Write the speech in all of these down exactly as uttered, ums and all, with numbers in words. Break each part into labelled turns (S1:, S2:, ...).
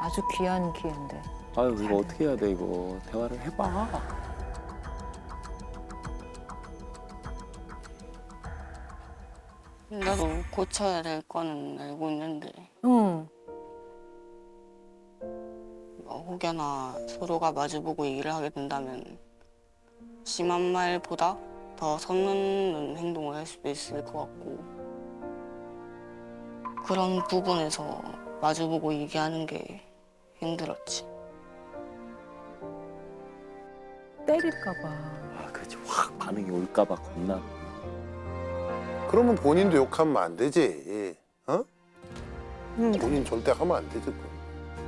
S1: 아주 귀한 기회인데.
S2: 아유 이거 어떻게 해야 돼 이거. 대화를 해봐.
S3: 나도 고쳐야 될 거는 알고 있는데
S1: 응.
S3: 뭐 혹여나 서로가 마주보고 얘기를 하게 된다면 심한 말보다 더 선 넘는 행동을 할 수도 있을 것 같고 그런 부분에서 마주보고 얘기하는 게 힘들었지.
S1: 때릴까 봐.
S2: 아 그렇지. 확 반응이 올까봐 겁나.
S4: 그러면 본인도 욕하면 안 되지. 어?
S3: 음.
S4: 본인 절대 하면 안 되지. 그거.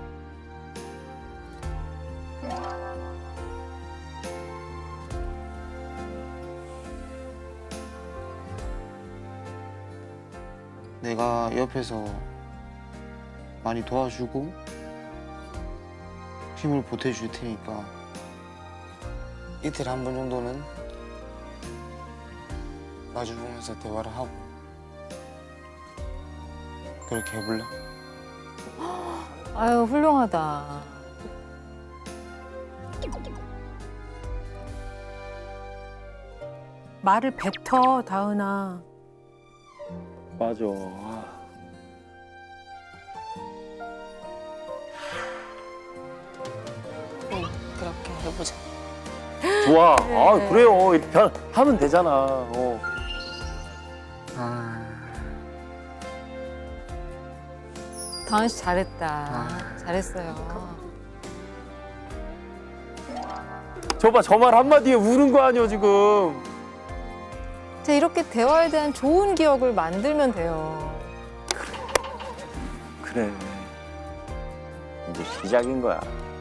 S5: 내가 옆에서 많이 도와주고 힘을 보태줄 테니까 이틀에 한 번 정도는 마주보면서 대화를 하고 그렇게 해볼래?
S1: 아유 훌륭하다.
S6: 말을 뱉어, 다은아.
S2: 맞아. 아.
S3: 응, 그렇게 해보자.
S2: 좋아. 아 그래요. 이렇게 변- 하면 되잖아. 어.
S5: 아...
S1: 다은 씨 잘했다.
S5: 아.
S1: 잘했어요.
S2: 저봐 저 말 한마디에 우는 거 아니야 지금.
S1: 자, 이렇게 대화에 대한 좋은 기억을 만들면 돼요.
S2: 그래. 이제 시작인 거야.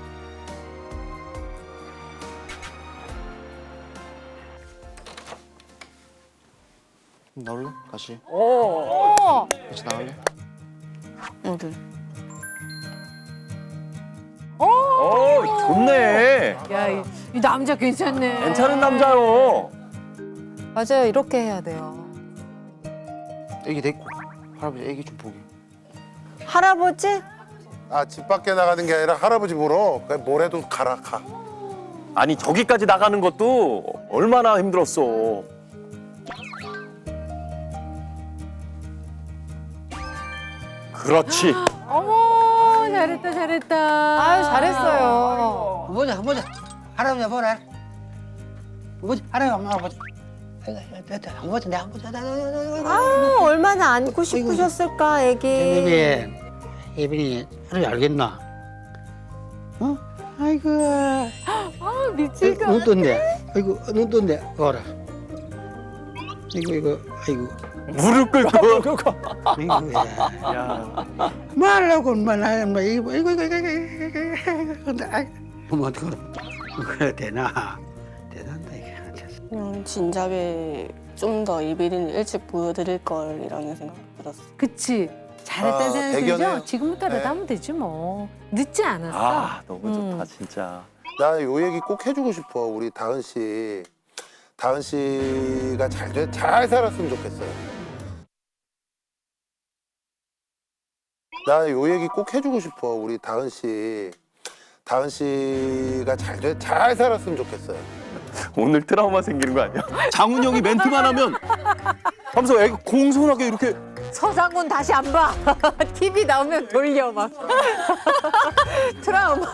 S5: 나올래? 같이?
S2: 어.
S5: 같이 나갈래?
S3: 어디?
S2: 어 좋네.
S6: 야, 이, 이 남자 괜찮네.
S2: 괜찮은 남자요.
S1: 맞아요. 이렇게 해야 돼요.
S5: 애기 데리고 할아버지 애기 좀 보게.
S1: 할아버지?
S4: 아, 집 밖에 나가는 게 아니라 할아버지 보러 그냥 뭐래도 가라, 가.
S2: 아니 저기까지 나가는 것도 얼마나 힘들었어. 그렇지.
S6: 어머, 잘했다, 잘했다.
S1: 아유 잘했어요.
S7: 보자 보자 할아버지 보라 보자 할아버지 엄마 보자 안 보자 내가 안 보자
S8: 아, 얼마나 안고 싶으셨을까, 애기.
S7: 예빈이 예빈이 할아버지 알겠나 어 아이고
S6: 아, 미칠까.
S7: 눈 떴네 아이고 눈 떴네 봐라 이거 이거 아이고
S2: 무릎 꿇고.
S7: 아이고 야
S2: 야.
S7: 말라고 얼마나 뭐 이거 이거 이거 이거 이거 근데 아이 뭐 어떡하 그래 되나 대단하다 이게
S3: 그냥 진작에 좀 더 이비인을 일찍 보여드릴 걸이라는 생각 들었어.
S6: 그치. 잘했다는
S4: 아,
S6: 생각
S4: 대견해요.
S6: 들죠? 지금부터라도
S4: 네.
S6: 하면 되지 뭐. 늦지 않았어.
S2: 아 너무 좋다
S1: 음.
S2: 진짜.
S4: 나 요 얘기 꼭 해주고 싶어. 우리 다은 씨. 다은 씨가 잘, 돼- 잘 살았으면 좋겠어요. 나 요 얘기 꼭 해주고 싶어. 우리 다은 씨. 다은 씨가 잘, 돼- 잘 살았으면 좋겠어요.
S2: 오늘 트라우마 생기는 거 아니야? 장훈 형이 멘트만 하면 하면서 애가 공손하게 이렇게.
S1: 서장훈 다시 안 봐. 티비 나오면 돌려 막. 트라우마.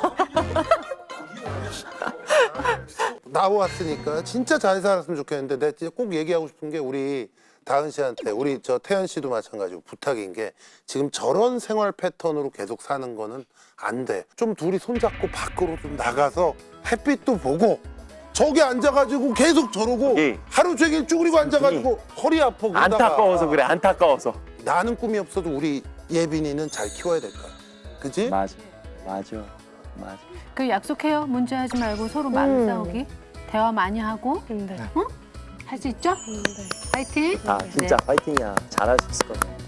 S4: 나왔으니까 진짜 잘 살았으면 좋겠는데 내가 진짜 꼭 얘기하고 싶은 게 우리 다은 씨한테 우리 저 태연 씨도 마찬가지고 부탁인 게 지금 저런 생활 패턴으로 계속 사는 거는 안 돼. 좀 둘이 손잡고 밖으로 좀 나가서 햇빛도 보고 저기 앉아가지고 계속 저러고
S2: 예.
S4: 하루 종일 쭈그리고 앉아가지고 허리 아파 그러다가
S2: 안타까워서 그래 안타까워서.
S4: 나는 꿈이 없어도 우리 예빈이는 잘 키워야 될 거야. 그지?
S2: 맞아 맞아 맞아.
S6: 그 약속해요. 문제하지 말고 서로 마음 싸우기. 대화 많이 하고.
S3: 근데
S6: 할 수 있죠? 파이팅.
S2: 아 진짜 파이팅이야. 잘할 수 있을 거야.